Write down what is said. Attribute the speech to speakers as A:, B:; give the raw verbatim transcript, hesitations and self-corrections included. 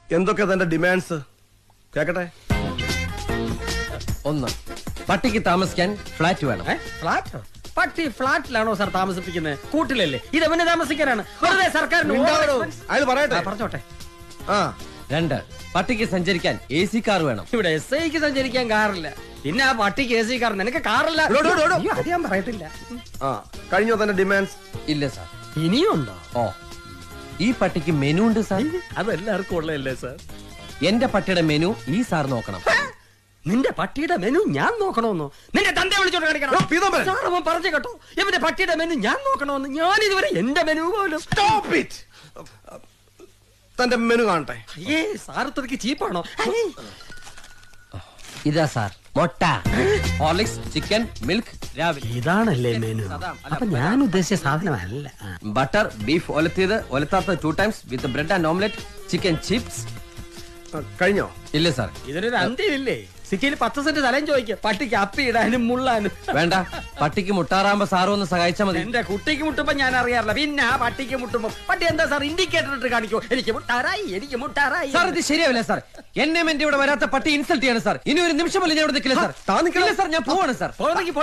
A: എന്തൊക്കെ തന്റെ ഡിമാൻഡ്സ് കേക്കട്ടെ?
B: ഒന്ന്, പട്ടിക്ക് താമസിക്കാൻ ഫ്ലാറ്റ് വേണം.
C: ഫ്ലാറ്റ്? പട്ടി ഫ്ലാറ്റിലാണോ സാർ താമസിപ്പിക്കുന്നത്? കൂട്ടിലല്ലേ? ഇത് എവനെ താമസിക്കാനാണ്. വെറുതെ സർക്കാരിന്
A: അയാൾ പറയട്ടെ.
C: പറഞ്ഞോട്ടെ.
A: ആ.
B: രണ്ട്, പട്ടിക്ക് സഞ്ചരിക്കാൻ എ സി കാർ വേണം.
C: ഇവിടെ എസ് ഐക്ക് സഞ്ചരിക്കാൻ കാറില്ല, പിന്നെ ആ പട്ടിക്ക് എ സി കാർ. നിനക്ക് കാറില്ല? അത് ഞാൻ പറയത്തില്ല.
A: ആ, കഴിഞ്ഞോ തന്റെ ഡിമാൻഡ്സ്?
B: ഇല്ല സാർ.
C: ഇനിയും ഉണ്ടോ?
B: ഓ, ഈ പട്ടിക്ക് മെനു ഉണ്ട് സാർ.
C: അതെല്ലാവർക്കും ഉള്ളതല്ലേ സാർ?
B: എന്റെ പട്ടിയുടെ മെനു ഈ സാർ നോക്കണം.
C: നിന്റെ പട്ടിയുടെ മെനു ഞാൻ നോക്കണമെന്നോ? നിന്റെ തന്റെ വിളിച്ചോണ്ട് കാണിക്കണം. സാർ അവൻ പറഞ്ഞു കേട്ടോ, ഇവന്റെ പട്ടിയുടെ മെനു ഞാൻ നോക്കണമെന്ന്. ഞാൻ ഇതുവരെ എന്റെ മെനു പോലും.
A: തന്റെ മെനു കാണട്ടെ.
C: ഏ സാറത്രക്ക് ചീപ്പാണോ?
B: ഇതാ സാർ, മുട്ട, ഹോർലിക്സ്, ചിക്കൻ, മിൽക്ക് രാവിലെ.
C: ഇതാണല്ലേ മെനു? അപ്പൊ ഞാൻ ഉദ്ദേശിച്ച സാധനമല്ല.
B: ബട്ടർ, ബീഫ് ഒലത്തിയത്, ഒലത്താത്ത two times with bread and omelette, chicken chips.
A: കഴിഞ്ഞോ?
B: ഇല്ല സാർ.
C: ഇതിനൊരു അന്ത്യമില്ലേ? സിറ്റിയിൽ പത്ത് സെന്റ് സ്ഥലം ചോദിക്കുക പട്ടിക്ക് അപ്പി ഇടാനും മുള്ളാനും.
B: വേണ്ട, പട്ടിക്ക് മുട്ടാറാകുമ്പോ സാറും ഒന്ന് സഹായിച്ചാൽ മതി.
C: എന്റെ കുട്ടിക്ക് മുട്ടുമ്പോ ഞാൻ അറിയാറില്ല, പിന്നെ ആ പട്ടിക്ക് മുട്ടുമ്പോ പട്ടി എന്താ സാർ ഇൻഡിക്കേറ്റർ ഇട്ട് കാണിക്കോ? എനിക്ക് മുട്ടാറായി, എനിക്ക് മുട്ടാറായി.
B: സാർ ഇത് ശരിയാവില്ല സാർ. എന്നെ എന്റെ ഇവിടെ വരാത്ത പട്ടി ഇൻസൾട്ട് ചെയ്യാണ് സാർ. ഇനി ഒരു നിമിഷം പോലും ഞാൻ ഇവിടെ നിൽക്കില്ല സാർ. താ നിൽക്കില്ല സാർ, ഞാൻ പോവാണ് സാർ.